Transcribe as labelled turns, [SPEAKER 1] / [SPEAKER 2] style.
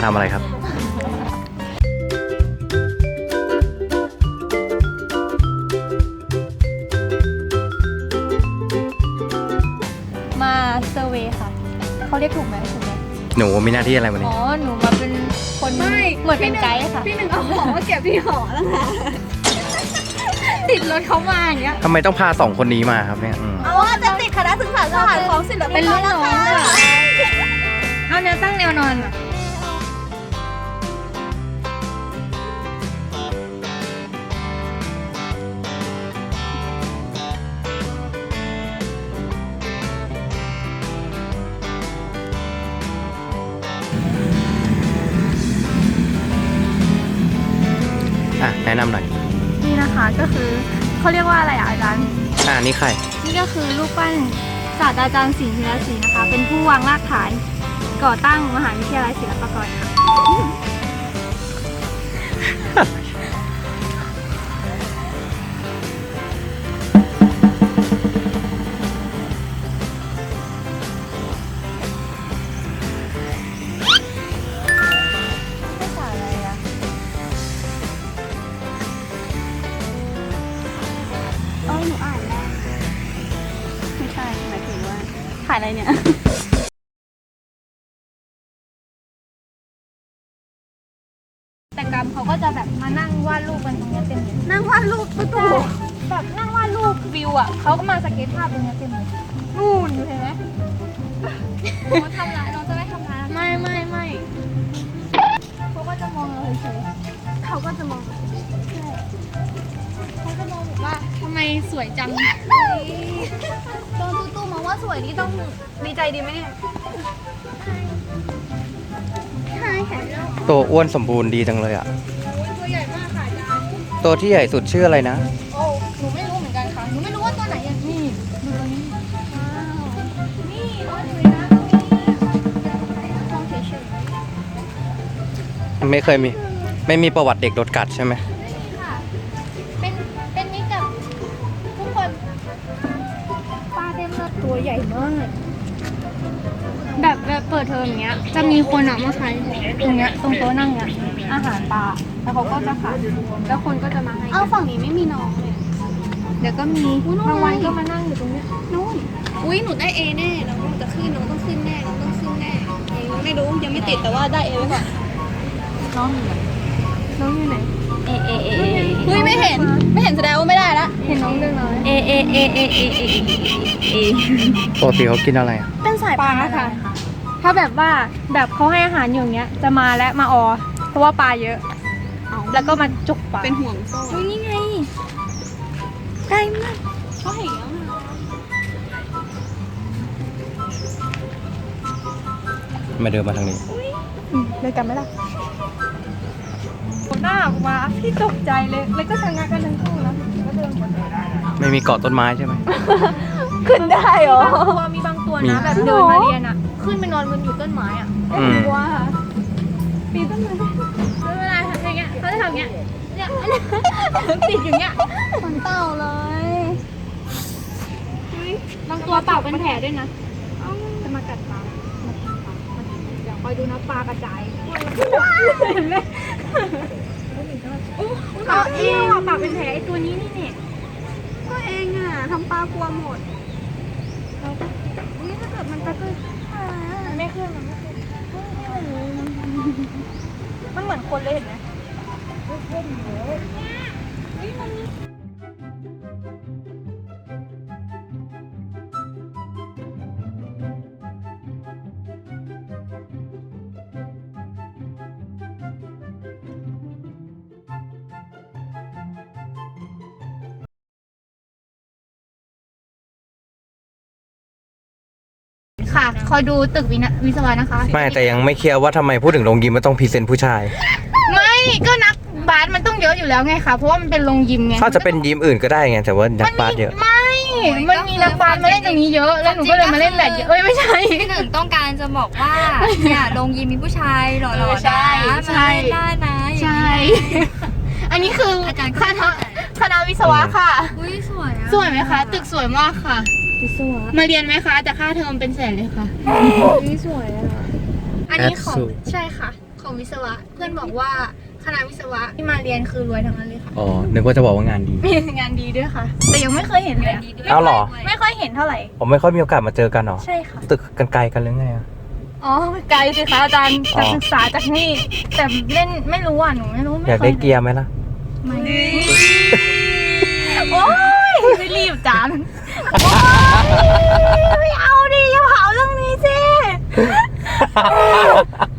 [SPEAKER 1] ทำอะไรครับ
[SPEAKER 2] มาเซอร์เวย์ค่ะเขาเรียกถูกไหมถูกไหม
[SPEAKER 1] หนูมีหน้าที่อะไรวันนี้
[SPEAKER 2] อ๋อหนูมาเป็นคนเหมือนเป็นไกด์ค่ะ
[SPEAKER 3] พี่หนึ่งเอาของมาเก็บที่หอแล้วค่ะติดรถเขามาอย่างเงี้ย
[SPEAKER 1] ทำไมต้องพา2 คนนี้มาครับเนี่ย
[SPEAKER 3] เอาว่าจะติดคณะศึกษาศาสตร์ของศิลปินเป็นรุ่นน้อง
[SPEAKER 2] เอาแนวตั้งแนวนอนอะ
[SPEAKER 1] แนะนำหน่อย
[SPEAKER 2] นี่นะคะก็คือเขาเรียกว่าอะไรอ่ะอาจารย์
[SPEAKER 1] นี่ใคร
[SPEAKER 2] นี่ก็คือรูปปั้นศาสตราจารย์สิงห์ธีรศรีนะคะ เป็นผู้วางรากฐานก่อตั้งมหาวิทยาลัยศิลปากรค่ะ
[SPEAKER 3] หนูอ่านแล้วไม่ใช่หมายถึงว่าถ่ายอะไรเนี่ย
[SPEAKER 2] แต่กรรมเขาก็จะแบบมานั่งวาดรูปกันตรงนี้เต็มเลย
[SPEAKER 3] นั่งวาดรูปตู้
[SPEAKER 2] แบบนั่งวาดรูปวิวอ่ะเขาก็มาสเก็ตภาพตรงนี้เต็มเลยนู่นเห็นไหมน้องทำร้ายน้องจะไม่ทำร้ายไม่เขาก็จะมองเราเฉยๆ
[SPEAKER 3] เขาก็จะมอง
[SPEAKER 2] เขาจะมองแบบว่าทำไมสวยจัง
[SPEAKER 3] โดนตู้มองว่าสวยนี่ต้องดีใจดีไหมเนี่ยใช่ค่ะ
[SPEAKER 1] ตัวอ้วนสมบูรณ์ดีจังเลยอ่ะ
[SPEAKER 2] ตัวใหญ่มากค่ะอาจารย์
[SPEAKER 1] ตัวที่ใหญ่สุดชื่ออะไรนะ
[SPEAKER 2] โอ้หนูไม่รู้เหมือนกันค่ะหนูไม่รู้ว่าตัวไหนอย่างนี่ดูตัวนี้นี่น้องอยู่ในน้ำตรงนี้มองเฉย
[SPEAKER 1] ไม่เคยมีไม่มีประวัติเด็กโดนกัดใช่ไหม
[SPEAKER 2] ๆนี่ค่ะเป็นมิตรกับทุกคนปลาเต็มเลยตัวใหญ่มากแบบเปิดเทอมอย่างเงี้ยจะมีคนอ่ะมาขายตรงเนี้ยตรงโต๊ะนั่งเนี้ยอาหารปลาแล้วเขาก็จะขายแล้วคนก็จะมาให้
[SPEAKER 3] เอาฝั่งนี้ไม่มีน้องเลย
[SPEAKER 2] เดี๋ยวก็มีบางวันก็มานั่งอยู่ตรงเนี้ย
[SPEAKER 3] นู่นอุ้ยหนูได้ A แน่น้องจะขึ้นน้องต้องขึ้นแน่น้องต้องขึ้นแน่ไม่รู้ยังไม่ติดแต่ว่าได้ A ไว้ก่อน
[SPEAKER 2] น้องอยู่ไหนน้องอยู่ไหนเอ
[SPEAKER 3] เฮ้ยไม่เห็นแสดงว่าไม่ได้ละ
[SPEAKER 2] เห็นน้องเดินมาเอ
[SPEAKER 1] ปกติเขากินอะไรอ่ะ
[SPEAKER 3] เป็นสาย
[SPEAKER 2] ปลาค่ะ ถ้าแบบว่าแบบเขาให้อาหารอยู่อย่างเงี้ยจะมาและมาออเพราะว่าปลาเยอะแล้วก็มาจุกปลา
[SPEAKER 3] เป็นห่วงโซ่
[SPEAKER 2] อุ้ยนี่ไงใกล้มาก
[SPEAKER 3] เขาเห็นแล้ว
[SPEAKER 1] มาเดินมาทางนี้
[SPEAKER 2] เลยกันไหมล่ะหน้าออกมาพี่ตกใจเลยแล้วก็ชะงักกันทั้งคู่นะก็เดินหมดเลย
[SPEAKER 1] ไม่มีเกาะต้นไม้ใช่ไหม
[SPEAKER 2] ขึ้นได้เหรอมีบางตัวนะแบบเดินมาเรียนอ่ะขึ้นไปนอนบนอยู่ต้นไม้อ่ะ
[SPEAKER 3] ว้า
[SPEAKER 2] ปีนต้นไม้ไม่เป็นไรทำอย่างเงี้ยเขาจะทำอย่างเงี้ยเนี่ยติดอย่างเงี้ย
[SPEAKER 3] ขนเต่าเลย
[SPEAKER 2] บางตัวเต่าเป็นแผลด้วยนะจะมากัดปลามากินปลาเดี๋ยวคอยดูนะปลากระจายเห็นไหมปลาเองปลาเป็นแผลไอตัวนี้นี่เนี่ย
[SPEAKER 3] ก็เองอ่ะทำปลากลัวหมด
[SPEAKER 2] นี่ถ้าเกิดมันจะขึ้นมันไม่ขึ้นมันเหมือนคนเลยเห็นไหมค่ะคอยดูตึกวิศวะนะคะ
[SPEAKER 1] ไม่แต่ยังไม่เคลียร์ว่าทำไมพูดถึงโรงยิมมันต้องพรีเซนต์ผู้ชาย
[SPEAKER 2] ไม่ก็นักบาสมันต้องเยอะอยู่แล้วไงคะเพราะว่ามันเป็นโรงยิมไง
[SPEAKER 1] เขาจะเป็นยิมอื่นก็ได้ไงแต่ว่านักบาสเยอะ
[SPEAKER 2] มันมีนักบาสมาเล่นตรงนี้เยอะแล้วหนูก็เลยมาเล่นแบดเยอะไม่ใช่
[SPEAKER 4] พี่หนึ่งต้องการจะบอกว่าเนี่ยโรงยิมมีผู้ชายหล่อๆ
[SPEAKER 2] ใช่
[SPEAKER 4] นะ
[SPEAKER 2] ใช่
[SPEAKER 4] มาเล่นได้นะอย่าง
[SPEAKER 2] ใช่
[SPEAKER 4] นี้
[SPEAKER 2] อันนี้คือ
[SPEAKER 4] อาจารย์
[SPEAKER 2] คณะวิศวะค่ะ
[SPEAKER 4] อุ้ยสวยอะ
[SPEAKER 2] สวยไหมคะตึกสวยมากค่ะ
[SPEAKER 4] วิศวะ
[SPEAKER 2] มาเรียนไหมคะแต่ค่าเทอมเป็นแสนเลยค่ะ
[SPEAKER 4] นี่สวยอะ
[SPEAKER 2] อันนี้ของ
[SPEAKER 1] Absolute
[SPEAKER 2] ใช่ค่ะของวิศวะ เพื่อนบอกว่าคณะวิศวะที่มาเรียนคือรวยทั้งนั้นเลยค่ะ
[SPEAKER 1] อ๋อ นึกว่าจะบอกว่างานดี
[SPEAKER 2] มีงานดีด้วยค่ะ แต่ยังไม่เคยเห็นเลยอะ
[SPEAKER 1] อ้าวเหรอ
[SPEAKER 2] ไม่ค่อยเห็นเท่าไหร่
[SPEAKER 1] ผมไม่ค่อยมีโอกาสมาเจอกันหรอ
[SPEAKER 2] ใช่ค่ะ
[SPEAKER 1] ตึกกันไกลกันหรือไงอะ
[SPEAKER 2] อ๋อไกลสิคะอาจารย์
[SPEAKER 1] อ๋อ
[SPEAKER 2] จากศึกษาจากนี่ แต่เล่นไม่รู้อ่ะหนูไม่รู้
[SPEAKER 1] อยากได้เกียร์ไหมล่ะ
[SPEAKER 2] ไม่โอ้ยไม่รีบจานโอ๊ยไม่เอาดิอย่าเผาเรื่องนี้สิ